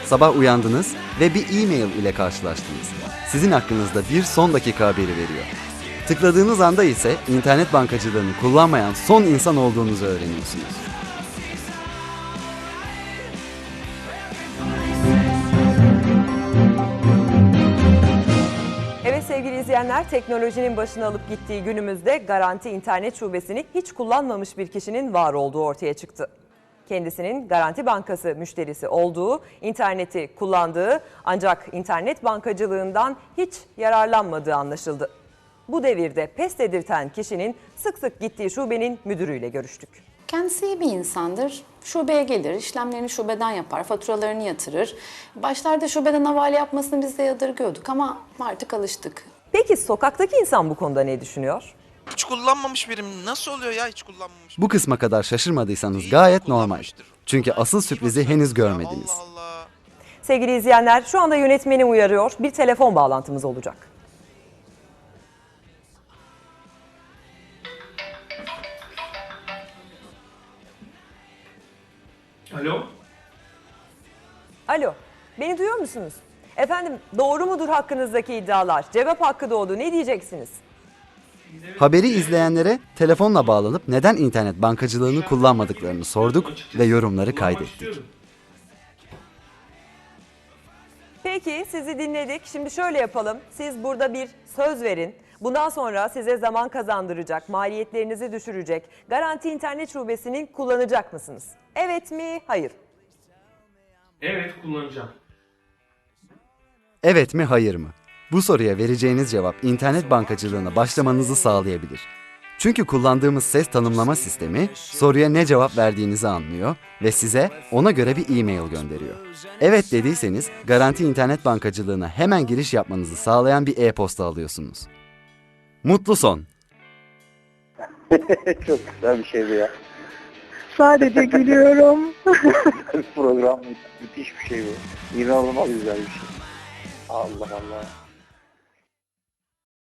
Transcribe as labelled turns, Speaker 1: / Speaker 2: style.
Speaker 1: Sabah uyandınız ve bir e-mail ile karşılaştınız. Sizin hakkınızda bir son dakika haberi veriyor. Tıkladığınız anda ise internet bankacılığını kullanmayan son insan olduğunuzu öğreniyorsunuz.
Speaker 2: Evet sevgili izleyenler, teknolojinin başına alıp gittiği günümüzde Garanti İnternet Şubesini hiç kullanmamış bir kişinin var olduğu ortaya çıktı. Kendisinin Garanti Bankası müşterisi olduğu, interneti kullandığı ancak internet bankacılığından hiç yararlanmadığı anlaşıldı. Bu devirde pes dedirten kişinin sık sık gittiği şubenin müdürüyle görüştük.
Speaker 3: Kendisi iyi bir insandır. Şubeye gelir, işlemlerini şubeden yapar, faturalarını yatırır. Başlarda şubeden havale yapmasını biz de yadırgıyorduk ama artık alıştık.
Speaker 2: Peki sokaktaki insan bu konuda ne düşünüyor?
Speaker 4: Hiç kullanmamış birim. Nasıl oluyor ya hiç kullanmamış?
Speaker 1: Bu kısma kadar şaşırmadıysanız
Speaker 4: İyi
Speaker 1: gayet normal.
Speaker 4: kullanmıştır.
Speaker 1: Çünkü
Speaker 4: Ha,
Speaker 1: asıl
Speaker 4: iyi
Speaker 1: sürprizi
Speaker 4: bakıyorsunuz
Speaker 1: henüz
Speaker 4: ya,
Speaker 1: görmediniz.
Speaker 4: Allah Allah.
Speaker 2: Sevgili izleyenler, şu anda yönetmeni uyarıyor. Bir telefon bağlantımız olacak.
Speaker 5: Alo?
Speaker 2: Alo, beni duyuyor musunuz? Efendim, doğru mudur hakkınızdaki iddialar? Cevap hakkı doğdu. Ne diyeceksiniz?
Speaker 1: Haberi izleyenlere telefonla bağlanıp neden internet bankacılığını kullanmadıklarını sorduk ve yorumları kaydettik.
Speaker 2: Peki, sizi dinledik. Şimdi şöyle yapalım. Siz burada bir söz verin. Bundan sonra size zaman kazandıracak, maliyetlerinizi düşürecek Garanti İnternet Şubesi'ni kullanacak mısınız? Evet mi, hayır?
Speaker 5: Evet, kullanacağım.
Speaker 1: Evet mi, hayır mı? Bu soruya vereceğiniz cevap internet bankacılığına başlamanızı sağlayabilir. Çünkü kullandığımız ses tanımlama sistemi soruya ne cevap verdiğinizi anlıyor ve size ona göre bir e-mail gönderiyor. Evet dediyseniz Garanti İnternet Bankacılığına hemen giriş yapmanızı sağlayan bir e-posta alıyorsunuz. Mutlu son.
Speaker 6: Çok güzel bir şeydi ya.
Speaker 7: Sadece gülüyorum.
Speaker 6: Program müthiş bir şey bu. İnanılmaz güzel bir şey. Allah Allah.